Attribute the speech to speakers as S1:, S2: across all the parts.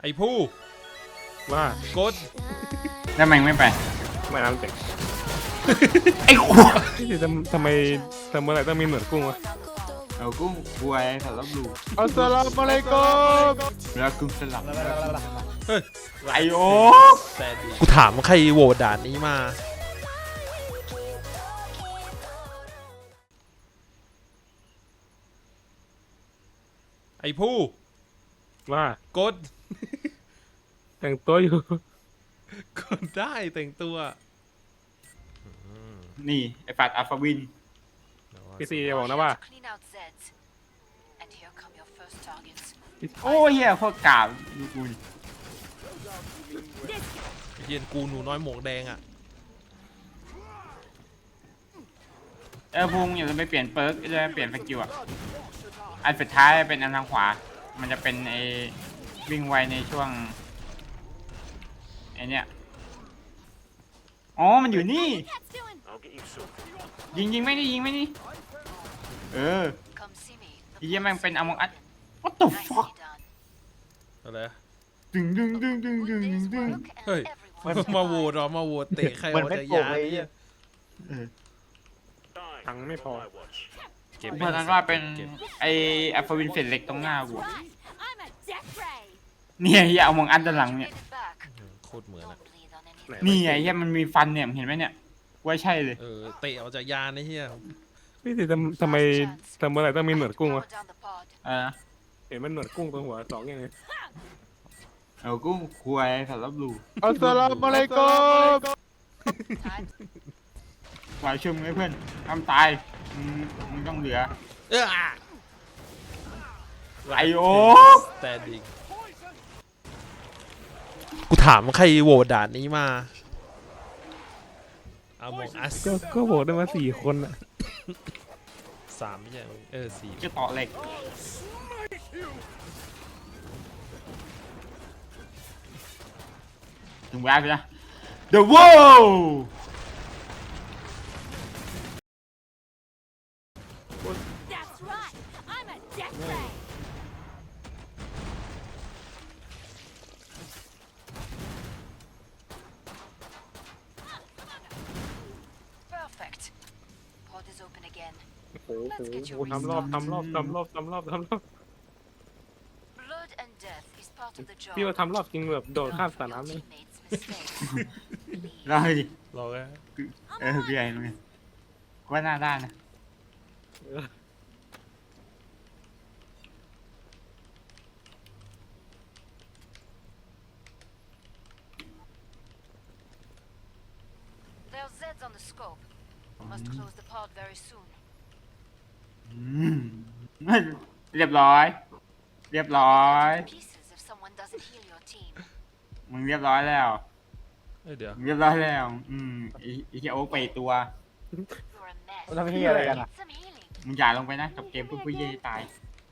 S1: ไอ้ผู้
S2: ว่าก
S1: ด
S3: แล้วมันไม่ไป
S2: ไม่น้ำเต็ม
S3: ไอ้ขวด
S2: ทำไมอะไรต้องมีเหมือนกุ้งวะ
S3: เอากุ้งกวยสำหรับลูก
S2: อัสสลามุอะลัยกุม
S3: แล้วกุ้งสลับ
S1: เฮ้ย
S3: ไอโอ
S1: แต่ดีกูถามว่าใครโหวตด่านนี้มาไอ้ผู้
S2: ว่าก
S1: ด
S2: แต่งตัวอยู่
S1: กดได้แต่งตัว
S3: นี่ไอปัดอัลฟาวิน
S2: พี่ซีจะบอกนะว่า
S4: Clean out Zeds. And here come your first targets.
S3: โอ้เฮียโคตรกาบดูกูดิ
S1: ไอ้เหี้ย็นกูหนูน้อยหมวกแดงอ่ะ
S3: พุงอย่าลืมไปเปลี่ยนเปิร์กจะเปลี่ยนสกิลอ่ะอันสุดท้ายเป็นอันทางขวา มันจะเป็นไอวิ่งไวในช่วงไอเนี้ยอ๋อมันอยู่นี่ ยิงไม่ได้ยิงไม่นี่เออ
S4: Come see me.
S3: ไอ้เหี้ยแม่งเป็นอมองอัด what the fuck
S4: Nicely done.
S1: อะไร
S3: ดึงดึงดึงดึงดึง
S4: One
S3: ดึง
S4: day's
S3: ดึง
S4: work and
S1: Hey.
S4: everyone's
S1: มาโหว
S4: alive.
S1: ตเหรอมาโหวตเตะใครอ
S5: เหมือ
S1: อน ก
S5: ไม่
S1: จาก
S5: โกง
S1: ยาน
S5: เลย
S1: เนี่ย
S3: เออ
S2: ตังค์ไม่พอ
S1: เก็บ
S3: เพ
S1: ไม่
S3: ราะ
S1: ได้
S3: นั้นว่าเป็น
S1: ก็บ
S3: ไออัลฟาวินเฟสเล็กตรงหน้ากู
S4: Right. I'm a death ray.
S3: เนี่ยเฮียเอามองอัดด้านหลังเนี่ย
S4: Get it back.
S1: โคตรเหมือนอ่ะ
S4: Don't bleed on anything.
S3: นี่ไงเฮียมันมีฟันเนี่ยเห็นไหมเนี่ยว่าใช่เลย
S1: เตะออกจากยานไอ้เหี้ย
S2: พี่ซีทำไมอะไรต้องมีเหมือนกุ้ง
S4: Power
S2: วะ
S4: down the pod.
S2: เห็นมันเหมือนกุ้งตรงหัวสองอย่างนี้
S3: เอากุ้งควยสำหรับลูก
S2: อัสสลามุอะลัยกุม
S4: Time.
S3: วายชุ่มไว้เพื่อนทำตายมึงต้องเหลือ
S1: เออ
S3: ไอโอ
S1: แต่ดิกูถามว่าใครโหวตด่านนี้มาเอามองอัส
S2: ก็โหวตได้มา4 คนอะ
S1: 3ไม่ใช่สี่
S3: จะต่อเหล็กถึงเวลาไปแล้ว The World
S4: That's right. I'm a death ray. Perfect. Pod is open again.
S2: โอ้โหทำรอบ
S4: Blood and death is part of the job.
S2: พี่ว่าทำรอบจริงแบบโดด
S4: Learn
S2: ข้าม
S4: from
S2: สนาม
S4: your
S2: เลย
S4: teammates' mistakes.
S3: เล่าให้ดิ
S1: รอแค่
S3: พี่ใหญ่เลยว่าหน้าด้านนะ
S4: There are Zeds on the scope. Must close the pod very soon.
S3: เรียบร้อย เรียบร้อย
S4: Pieces if someone doesn't heal your team.
S3: มึงเรียบร้อยแล้ว
S1: เดี๋ยว
S3: มึงเรียบร้อยแล้วอีเหี้ยโอ๊กไปอีกตัว
S4: You're a mess.
S5: ทำเฮียอะไรกันอ่ะ
S4: Need some healing.
S3: มึงอย่าลงไปนะกับเกมผู้เย่ตาย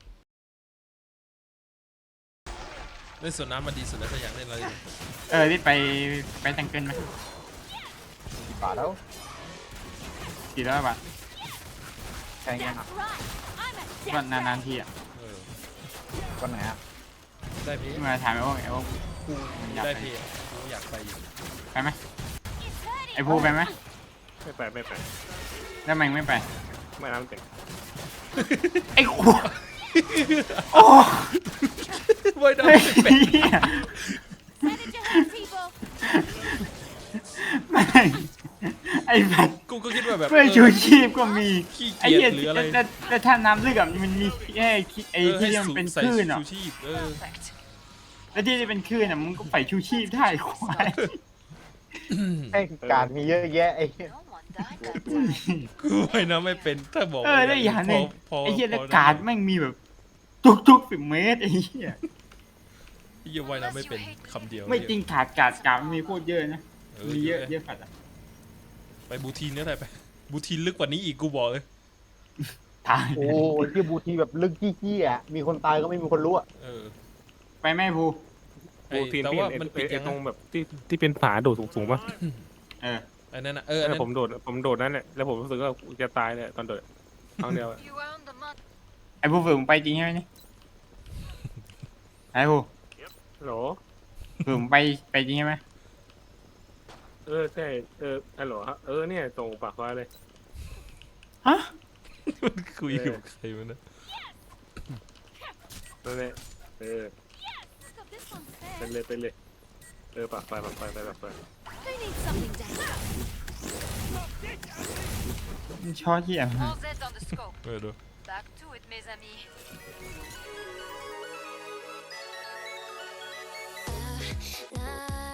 S1: เล่นสวนน้ำมันดีสุดแล้วถ้าอยากเล่นอะไร
S3: รีบไปแต่งเกินไหม
S5: กี่บาทแล้ว
S3: กี่ร้อยบาท
S5: แพงยังอ่ะ
S4: Right. I'm a
S3: ก็
S4: death
S3: นาน
S4: ray.
S3: ๆทีอ่ะ
S5: วันไหนอ่ะ
S1: ได้พี่
S3: ที่มาถามไอ้โอ๊กกูมันอยาก
S1: ได้
S3: ไป
S1: พี่กูอยากไปอยู่
S3: ไปไหม
S4: It's hurting.
S3: ไอ้ภูไปไหม
S2: ไม่ไป
S3: แล้วมันไม่ไป
S2: ไม่น้ำเต็ม
S3: ไอ้ขวดโอ้
S1: ไม่ได้
S3: เหี้ย
S4: Send it to hurt people.
S3: ไม่ไอ้แบบ
S1: กูก็คิดว่าแบบ
S3: เพื่อชูชีพก็มี
S1: ขี้
S3: ไอ้
S1: เกีย
S3: เหี้ย
S1: จหรืออะไร
S3: แต่ถ้าน้ำลึกอะมันมีแค่ไอ้ที่มันเป็น
S1: ใส่
S3: คลื่นอ่ะ
S1: ชูชีพ
S4: Perfect.
S3: แล้วที่เป็นคลื่นอ่ะมึงก็ใส่ชูชีพได้ควาย
S5: ให้การมีเยอะแยะไอ้เหี้ย
S4: No one died that time.
S1: กูไปนะไม่เป็นถ้าบอก
S3: แล้วอย่างหนึง
S1: พอ
S3: ไอ้เหี้ย
S1: พ
S3: แล้ว
S1: อ
S3: การ์ดแม่งมีแบบทุก10 เมตรไอ้เหี้ย
S1: ไอ้เหี้ยว่ายน้ำไม่เป็นคำเดียว
S3: ไม่จริงการ์ดมันมีโคตรเยอะนะมีเยอะ
S1: เย
S3: เย
S1: อะ
S3: อะฝัดอ่ะ
S1: ไปบูทีนเนี่ยไปบูทีนลึกกว่านี้อีกกูบอกเลย
S3: ตาย
S5: โอ้ยที่บูทีแบบลึกจี้ๆอ่ะมีคนตายก็ไม่มีคนรู้อ่ะ
S3: ไปแม่ภู
S1: ไอ้
S2: โอ้ทีน
S1: แต่
S2: พี่
S1: ว่า
S2: เห็น
S1: มันปิด
S2: ไอ้
S1: ยัง
S2: ต
S1: ไง
S2: รงแบบที่เป็นผาโดดสูงๆป่ะ
S3: เออ
S1: อันนั้นนะอันนั้น
S2: ผมโดดนั่นแหละแล้วผมรู้สึกว่าจะตายเลยตอนโดดครั้งเดียวอะ
S4: You earned the mud.
S3: ไอ้ภูฝึกมึงไปจริงใช่ไหมเนี่ยไอ้ภู
S2: ไโหล
S3: ผมไปจริงใช่ไหม
S2: ใช่ฮัลโหลครับเนี่ยส่งปากฟ้าเลย
S3: ฮะ
S1: มันคุยกับใครมันนะ
S2: นั่นแหละไปเลยปากไฟ
S4: Who needs something down?
S3: ชอเหี้ย
S4: All Zeds on the scope.
S1: ดู
S4: Back to it, mes amis. La, la,